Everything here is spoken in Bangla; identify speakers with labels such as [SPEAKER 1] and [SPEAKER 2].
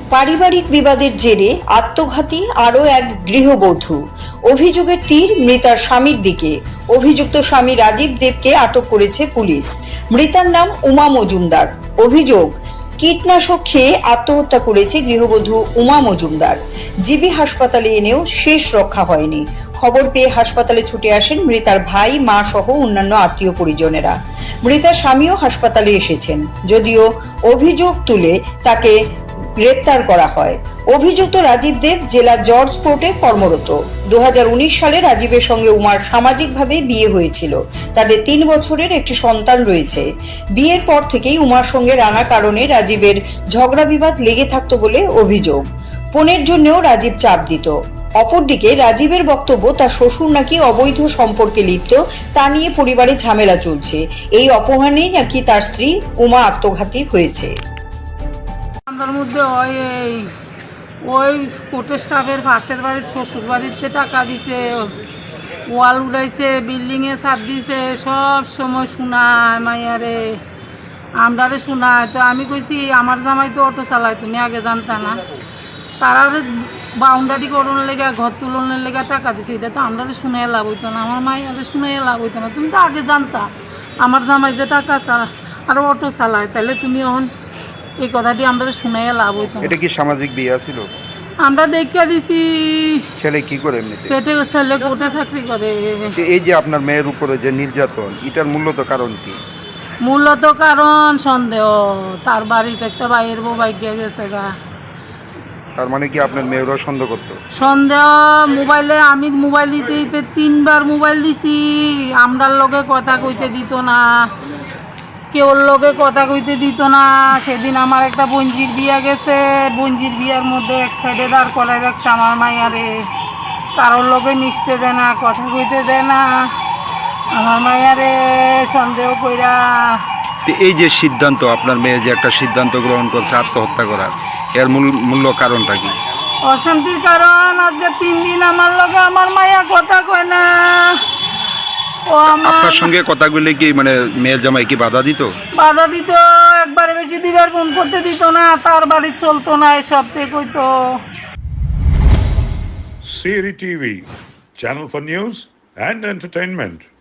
[SPEAKER 1] পারিবারিক বিবাদের জেরে আত্মঘাতী আরও এক গৃহবধূ। অভিযোগের তীর মৃতার স্বামীর দিকে। অভিযুক্ত স্বামী রাজীব দেবকে আটক করেছে পুলিশ। মৃতার নাম উমা মজুমদার। অভিযোগ, কীটনাশক খেয়ে আত্মহত্যা করেছে গৃহবধূ উমা মজুমদার। জিবি হাসপাতালে এনেও শেষ রক্ষা হয়নি। খবর পেয়ে হাসপাতালে ছুটে আসেন মৃতার ভাই, মা সহ অন্যান্য আত্মীয় পরিজনেরা। মৃতার স্বামীও হাসপাতালে এসেছেন, যদিও অভিযোগ তুলে তাকে গ্রেপ্তার করা হয়। অভিযুক্ত রাজীব দেব জেলা জজ কোর্টে কর্মরত। 2019 সালে রাজীবের সঙ্গে উমার সামাজিকভাবে বিয়ে হয়েছিল। তাদের 3 বছরের একটি সন্তান রয়েছে। বিয়ের পর থেকেই উমার সঙ্গে নানা কারণে রাজীবের ঝগড়া বিবাদ লেগে থাকতো বলে অভিযোগ। পণের জন্যও রাজীব চাপ দিত। অপরদিকে রাজীবের বক্তব্য, তার শ্বশুর নাকি অবৈধ সম্পর্কে লিপ্ত, তা নিয়ে পরিবারে ঝামেলা চলছে। এই অপমানেই নাকি তার স্ত্রী উমা আত্মঘাতী হয়েছে।
[SPEAKER 2] আমার মধ্যে ওই কোর্টের স্টাফের পাশের বাড়ির শ্বশুর বাড়িতে টাকা দিছে, ওয়াল উড়াইছে, বিল্ডিংয়ে ছাদ দিছে, সব সময় শোনায় মাইয়ারে, আমরারে শোনায়। তো আমি কইছি আমার জামাই তো অটো চালায়, তুমি আগে জানতা না? তারা বাউন্ডারি করোনার লেগে, ঘর তুলনের লেগে টাকা দিছে, এটা তো আমরারে শুনে লাভ হইতো না, আমার মাইয়ারে শুনে লাভ হইতো না। তুমি তো আগে জানতা আমার জামাই যে টাকা চালায় আর অটো চালায়, তাহলে তুমি এখন এই কথাটি আমরা শুনে লাভ হইতো।
[SPEAKER 3] এটা কি সামাজিক বিয়ে ছিল?
[SPEAKER 2] আমরা দেখে দিছি।
[SPEAKER 3] ছেলে কি করে এমনিতে?
[SPEAKER 2] ছেলে কোর্টে চাকরি করে।
[SPEAKER 3] এই যে আপনার মেয়ের উপরে যে নির্যাতন, এটার মূলত কারণ কি?
[SPEAKER 2] মূলত কারণ সন্দেহ, তার বাড়িতে একটা বাইরের বউ বাইকে গেছে গা।
[SPEAKER 3] তার মানে কি আপনার মেয়েরও সন্দেহ করতো?
[SPEAKER 2] সন্দেহ মোবাইলে, আমি মোবাইল দিতে 3বার মোবাইল দিছি, আমরার লগে কথা কইতে দিত না, কেউর লগে কথা কইতে দিত না। সেদিন আমার একটা বঞ্জির বিয়া গেছে, বঞ্জির বিয়ার মধ্যে এক সাইডে দাঁড় করাই রাখছে আমার মাইয়ারে, কারোর লগে মিশতে দেয় না, কথা কইতে দেয় না আমার মাইয়ারে, সন্দেহ কইরা।
[SPEAKER 3] এই যে সিদ্ধান্ত, আপনার মেয়ে যে একটা সিদ্ধান্ত গ্রহণ করছে আত্মহত্যা করার, এর মূল্য কারণটা কি?
[SPEAKER 2] অশান্তির কারণ। আজকে 3 দিন আমার লগে আমার মাইয়া কথা কয় না।
[SPEAKER 3] আপনার সঙ্গে কথা বললে কি মানে মেয়ের জামাই কি বাধা দিত?
[SPEAKER 2] বাধা দিত, একবারে বেশি দিবার ফোন করতে দিত না, তার বাড়ি চলতো না, এসব থেকে কইতো।
[SPEAKER 4] Siri TV, channel for news and entertainment.